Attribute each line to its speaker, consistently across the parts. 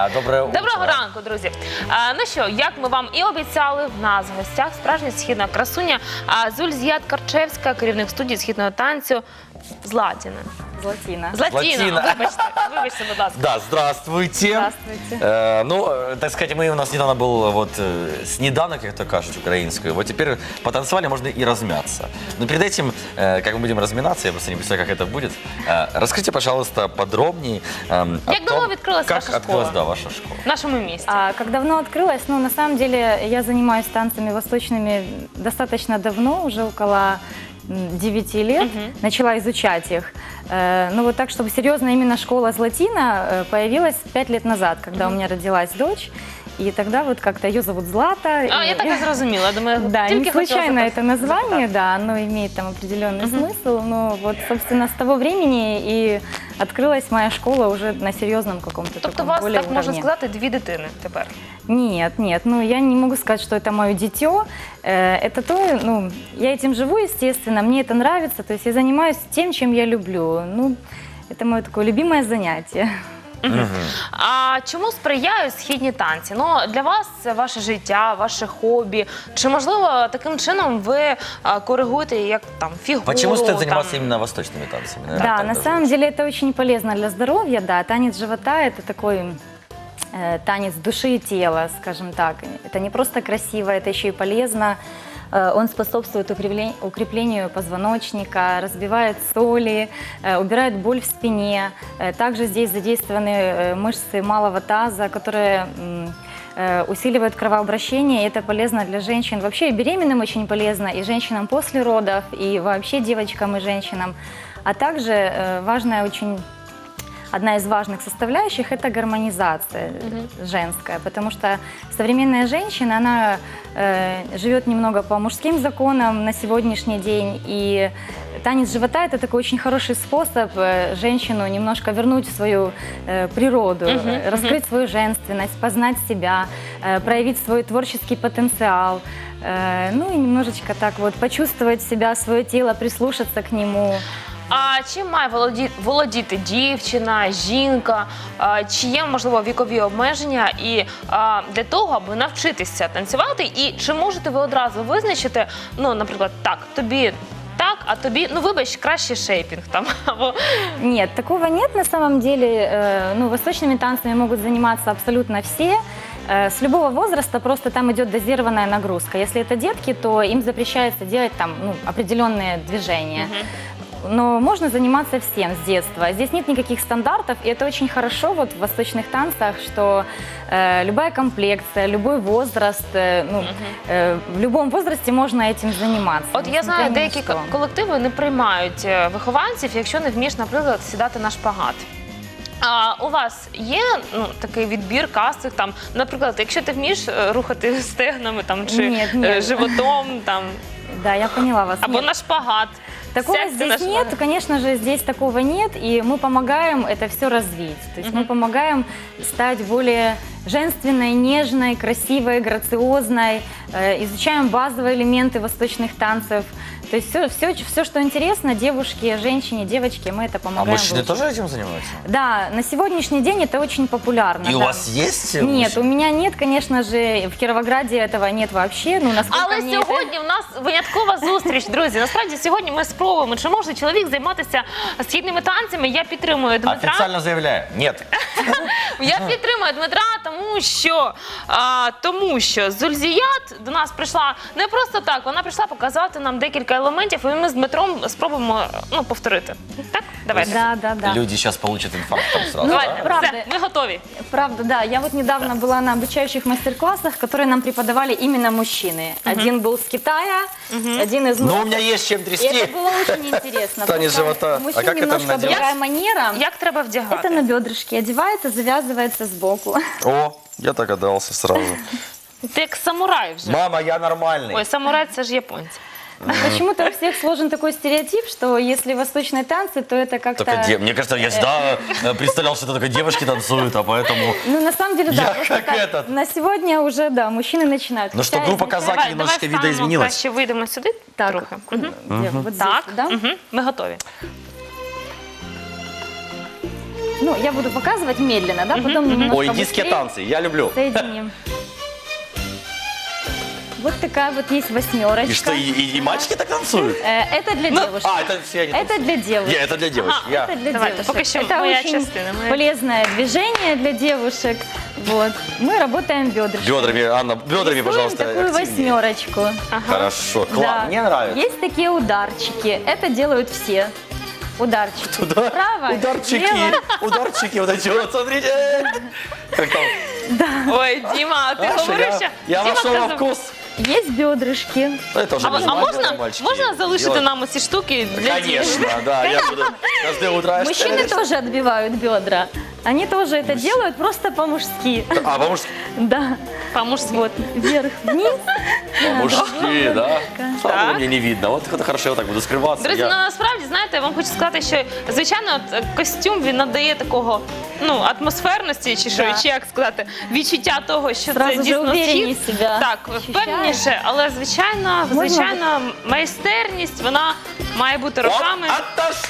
Speaker 1: Доброе утро.
Speaker 2: Доброго ранку, друзі. Ну що, як ми вам і обіцяли, в нас в гостях справжня східна красуня Зульзіят Карчевська, керівник студії східного танцю Златіна.
Speaker 3: Златина.
Speaker 2: Златіна, вибачте, будь ласка.
Speaker 1: Да, здравствуйте.
Speaker 3: Здравствуйте.
Speaker 1: Ну, так сказать, у нас недавно был вот снеданок, как то кажут, украинскую. Вот теперь потанцевали, можно и размяться. Но перед этим, как мы будем разминаться, я просто не представляю, как это будет. Расскажите, пожалуйста, подробнее о
Speaker 2: Як давно відкрилась
Speaker 1: как
Speaker 2: ваша
Speaker 1: открылась,
Speaker 2: школа?
Speaker 1: да, ваша школа.
Speaker 2: В нашому місті.
Speaker 3: Как давно открылась? Ну, на самом деле, я занимаюсь танцами восточными достаточно давно, уже около 9 лет. Начала изучать их. Ну, вот так, чтобы серьезно, именно школа Златина появилась 5 лет назад, когда у меня родилась дочь. И тогда вот как-то ее зовут Злата.
Speaker 2: Я так и зрозуміла. Я думаю,
Speaker 3: Да,
Speaker 2: тільки
Speaker 3: не случайно
Speaker 2: хотіла
Speaker 3: это название, да, оно имеет там определенный смысл. Но вот, собственно, с того времени и открылась моя школа уже на серьезном каком-то
Speaker 2: Тобто у
Speaker 3: таком
Speaker 2: вас,
Speaker 3: более
Speaker 2: так можна
Speaker 3: уровне.
Speaker 2: сказати, дві дитини тепер?
Speaker 3: Нет, нет, ну я не могу сказать, что это мое дитё. Это то, ну, я этим живу, естественно, мне это нравится, то есть я занимаюсь тем, чем я люблю. Ну, это мое такое любимое занятие.
Speaker 2: А чому сприяють східні танці? Ну, для вас це ваше життя, ваше хобі. Чи, можливо, таким чином ви коригуєте як там фігуру?
Speaker 1: Почему стоит
Speaker 2: там?
Speaker 1: заниматься именно восточными танцами? Наверное,
Speaker 3: Да,
Speaker 1: так
Speaker 3: на
Speaker 1: даже
Speaker 3: самом
Speaker 1: лучше.
Speaker 3: деле это очень полезно для здоровья, да. Танец живота – это такой танец души и тела, скажем так. Это не просто красиво, это еще и полезно. Он способствует укреплению позвоночника, разбивает соли, убирает боль в спине. Также здесь задействованы мышцы малого таза, которые усиливают кровообращение, и это полезно для женщин. Вообще и беременным очень полезно, и женщинам после родов, и вообще девочкам и женщинам. А также важная очень... Одна из важных составляющих – это гармонизация женская, потому что современная женщина, она живет немного по мужским законам на сегодняшний день, и танец живота – это такой очень хороший способ женщину немножко вернуть в свою природу, раскрыть свою женственность, познать себя, проявить свой творческий потенциал, ну и немножечко так вот почувствовать себя, свое тело, прислушаться к нему.
Speaker 2: А чим має володіти дівчина, жінка? Чи є, можливо, вікові обмеження і для того, аби навчитися танцювати? І чи можете ви одразу визначити, ну, наприклад, так, тобі так, а тобі, ну, вибач, краще шейпінг там, або...
Speaker 3: Нет, такого нет на самом деле. Ну, восточными танцами могут заниматься абсолютно все. С любого возраста просто там идет дозированная нагрузка. Если это детки, то им запрещается делать там, ну, определенные движения. Но можно заниматься всем с детства. Здесь нет никаких стандартов, и это очень хорошо вот в восточных танцах, что любая комплекция, любой возраст, в любом возрасте можно этим заниматься.
Speaker 2: От я знаю,
Speaker 3: несмотря ни на
Speaker 2: деякі
Speaker 3: что.
Speaker 2: колективи не приймають вихованців, якщо не вмієш, наприклад, сідати на шпагат. А у вас є, ну, такий відбір, кастинг, там, наприклад, якщо ти вмієш рухати стегнами там, чи
Speaker 3: Ні.
Speaker 2: животом, там,
Speaker 3: Да, я поняла вас.
Speaker 2: або
Speaker 3: Нет.
Speaker 2: на шпагат.
Speaker 3: Такого
Speaker 2: Сядьте на
Speaker 3: здесь нет,
Speaker 2: шпагат.
Speaker 3: конечно же, здесь такого нет, и мы помогаем это все развить. То есть мы помогаем стать более женственной, нежной, красивой, грациозной, изучаем базовые элементы восточных танцев. То есть все, что интересно девушке, женщине, девочке, мы это
Speaker 1: А
Speaker 3: помогаем.
Speaker 1: мужчины
Speaker 3: выучить.
Speaker 1: тоже этим занимаются?
Speaker 3: Да, на сегодняшний день это очень популярно.
Speaker 1: И у
Speaker 3: да.
Speaker 1: вас есть
Speaker 3: Нет,
Speaker 1: мужчины?
Speaker 3: у меня нет, конечно же, в Кировограде этого нет вообще. Ну, насколько
Speaker 2: Але
Speaker 3: мне это-
Speaker 2: сьогодні в нас виняткова зустріч, друзі. Насправді сьогодні ми спробуємо, чи може чоловік займатися східними танцями. Я підтримую Дмитра.
Speaker 1: Официально заявляю, нет.
Speaker 2: Я підтримую Дмитра, тому що Зульзіят до нас прийшла не просто так, вона прийшла показати нам декілька елементів, і ми з Дмитром спробуємо, ну, повторити. Так? Давайте.
Speaker 3: Да.
Speaker 1: Люди сейчас получат инфаркт там сразу.
Speaker 2: Давайте,
Speaker 1: да?
Speaker 3: правда.
Speaker 2: все, ми готові.
Speaker 3: Правда, да. Я вот недавно была на обучающих мастер-классах, которые нам преподавали именно мужчины. Один был с Китая, один из...
Speaker 1: Но у меня есть чем
Speaker 3: И
Speaker 1: трясти.
Speaker 3: это было очень интересно.
Speaker 1: Танец
Speaker 3: Просто
Speaker 1: живота.
Speaker 3: У мужчин
Speaker 1: А как это
Speaker 3: немножко
Speaker 1: надевать?
Speaker 3: другая манера.
Speaker 2: Як треба вдягати?
Speaker 3: Это на бедрышки одевается, завязывается сбоку.
Speaker 1: О, я догадался сразу.
Speaker 2: Ти як самурай вже.
Speaker 1: Мама, я нормальный.
Speaker 2: Ой, самурай – це ж японці.
Speaker 3: Почему-то у всех сложен такой стереотип, что если восточные танцы, то это как-то...
Speaker 1: Мне кажется, я всегда представлял, что это только девушки танцуют, а поэтому...
Speaker 3: Ну, на самом деле, да.
Speaker 1: Я
Speaker 3: просто
Speaker 1: как
Speaker 3: так,
Speaker 1: этот.
Speaker 3: На сегодня уже, да, мужчины начинают.
Speaker 1: Ну что,
Speaker 3: Хотя
Speaker 1: группа
Speaker 3: изначально-
Speaker 1: казаки немножечко
Speaker 2: станемо,
Speaker 1: видоизменилась.
Speaker 2: краще вийдемо сюди
Speaker 3: Так,
Speaker 2: трохи.
Speaker 3: где? Вот здесь,
Speaker 2: Так,
Speaker 3: да?
Speaker 2: ми готові.
Speaker 3: Ну, я буду показывать медленно, да, потом немножко
Speaker 1: Ой, индийские
Speaker 3: быстрее
Speaker 1: танцы, я люблю.
Speaker 3: соединим. Вот такая вот есть восьмерочка.
Speaker 1: И что, и мальчики так танцуют?
Speaker 3: Это для девушек.
Speaker 1: Это все они
Speaker 3: Это
Speaker 1: танцуют.
Speaker 3: для девушек.
Speaker 1: Не, это для девочек.
Speaker 2: Ага,
Speaker 1: Я.
Speaker 3: Это для
Speaker 2: Давайте,
Speaker 3: девушек.
Speaker 2: пока что
Speaker 3: Это
Speaker 2: моя
Speaker 3: очень
Speaker 2: частина, моя.
Speaker 3: полезное движение для девушек. Вот. Мы работаем бедрами.
Speaker 1: Бедрами, Анна, бедрами,
Speaker 3: Рисуем
Speaker 1: пожалуйста,
Speaker 3: такую
Speaker 1: активнее.
Speaker 3: восьмерочку.
Speaker 1: Хорошо, класс,
Speaker 3: Да.
Speaker 1: мне нравится.
Speaker 3: Есть такие ударчики. Это делают все. Ударчики. Право,
Speaker 1: Ударчики,
Speaker 3: лево.
Speaker 1: ударчики, вот эти вот, смотрите. Как там?
Speaker 2: Ой, Діма, а ти
Speaker 1: А, що
Speaker 2: говорив, що...
Speaker 1: я
Speaker 2: Діма
Speaker 1: вошел во
Speaker 2: сказав-
Speaker 1: вкус.
Speaker 3: Есть бедрышки.
Speaker 1: Ну, это уже без
Speaker 2: А
Speaker 1: мальчиков, мальчики
Speaker 2: можна залишити
Speaker 1: делают.
Speaker 2: нам ці штуки для дітей?
Speaker 1: Конечно, да, я буду каждое утро.
Speaker 3: Мужчины тоже отбивают бедра. Они тоже это делают просто по-мужски.
Speaker 1: А, по-мужски,
Speaker 3: Да.
Speaker 2: По-мужськи.
Speaker 3: Вот, вверх-вниз.
Speaker 1: по-мужски, да? Слава
Speaker 2: Так.
Speaker 1: богу, мне не видно. Вот это хорошо, я так буду скрываться.
Speaker 2: Друзі,
Speaker 1: Я-
Speaker 2: ну насправді, знаєте, я вам хочу сказати, що, звичайно, от, костюм, він надає такого, ну, атмосферності, чи що,
Speaker 3: Да.
Speaker 2: чи як сказати, відчуття того, що
Speaker 3: Сразу
Speaker 2: це
Speaker 3: же
Speaker 2: дійсно
Speaker 3: увереннее
Speaker 2: схід.
Speaker 3: себя
Speaker 2: Так,
Speaker 3: ощущаешь.
Speaker 2: впевненіше, але,
Speaker 3: Можна-
Speaker 2: звичайно, майстерність, вона має бути роками.
Speaker 1: Вот,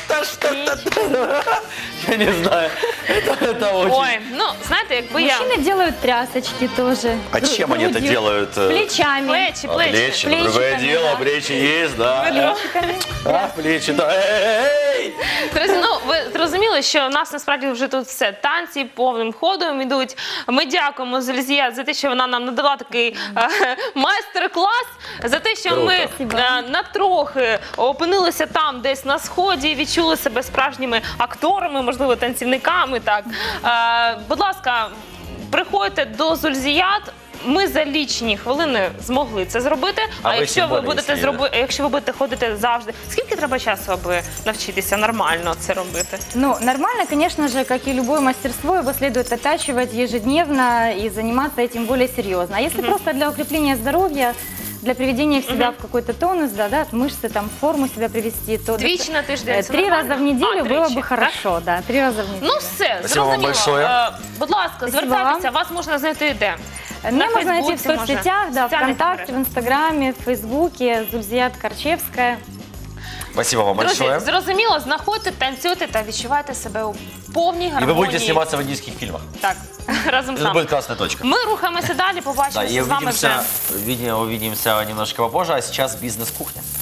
Speaker 1: я не знаю. Это очень...
Speaker 2: Ой, ну, знаєте, якби я...
Speaker 3: Мужчины делают трясочки тоже.
Speaker 1: А чем они это
Speaker 3: Грудью,
Speaker 1: делают?
Speaker 3: Плечами.
Speaker 2: Плечі,
Speaker 1: А,
Speaker 2: плечі.
Speaker 1: плечи, ну, другое
Speaker 3: Плечиками,
Speaker 1: дело,
Speaker 3: да.
Speaker 1: плечи есть, да.
Speaker 3: Плечиками.
Speaker 1: А, плечи, да. Эй!
Speaker 2: Друзі, ну ви зрозуміли, що у нас насправді вже тут все танці повним ходом ідуть. Ми дякуємо Зульзія за те, що вона нам надала такий майстер-клас, за те, що
Speaker 1: Круто.
Speaker 2: ми
Speaker 3: Спасибо.
Speaker 2: натрохи опинилися там, десь на сході, відчули себе справжніми акторами, можливо, танцівниками. Так, будь ласка, приходьте до Зульзіят. Ми за лічені хвилини змогли це зробити.
Speaker 1: А ви
Speaker 2: якщо
Speaker 1: тим
Speaker 2: ви
Speaker 1: більше,
Speaker 2: будете
Speaker 1: якщо
Speaker 2: якщо ви будете ходити завжди, скільки треба часу, аби навчитися нормально це робити?
Speaker 3: Ну, нормально, конечно же, как и любое мастерство, его следует оттачивать ежедневно и заниматься этим более серьезно. А если просто для укрепления здоровья, для приведения в себя в какой-то тонус, да, мышцы, там, в форму себя привести, то
Speaker 2: Двічі на тиждень. це
Speaker 3: 3
Speaker 2: нормально?
Speaker 3: раза в неделю было
Speaker 2: тричі,
Speaker 3: бы
Speaker 2: так?
Speaker 3: хорошо, да, 3 раза в неделю.
Speaker 2: Ну все,
Speaker 1: Спасибо вам
Speaker 2: зрозуміло.
Speaker 1: большое.
Speaker 2: Будь ласка,
Speaker 3: Спасибо
Speaker 2: звертайтеся,
Speaker 3: вам.
Speaker 2: вас можна знайти де?
Speaker 3: Меня можно найти в
Speaker 2: Фейсбуці, може,
Speaker 3: соцсетях, да,
Speaker 2: соціальних
Speaker 3: ВКонтакте, в
Speaker 2: мережах.
Speaker 3: Инстаграме, в Фейсбуке, Зульзият Корчевская.
Speaker 1: Спасибо вам
Speaker 2: Друзі,
Speaker 1: большое.
Speaker 2: зрозуміло, знаходьте, танцюйте та відчувайте себе у повній
Speaker 1: И
Speaker 2: гармонії.
Speaker 1: вы будете сниматься в индийских фильмах.
Speaker 2: Так, разом з
Speaker 1: Это
Speaker 2: нами.
Speaker 1: будет классная точка.
Speaker 2: Ми рухаємося далі,
Speaker 1: Да,
Speaker 2: побачимося
Speaker 1: и
Speaker 2: з вами вже.
Speaker 1: увидимся немножко попозже, а сейчас бизнес-кухня.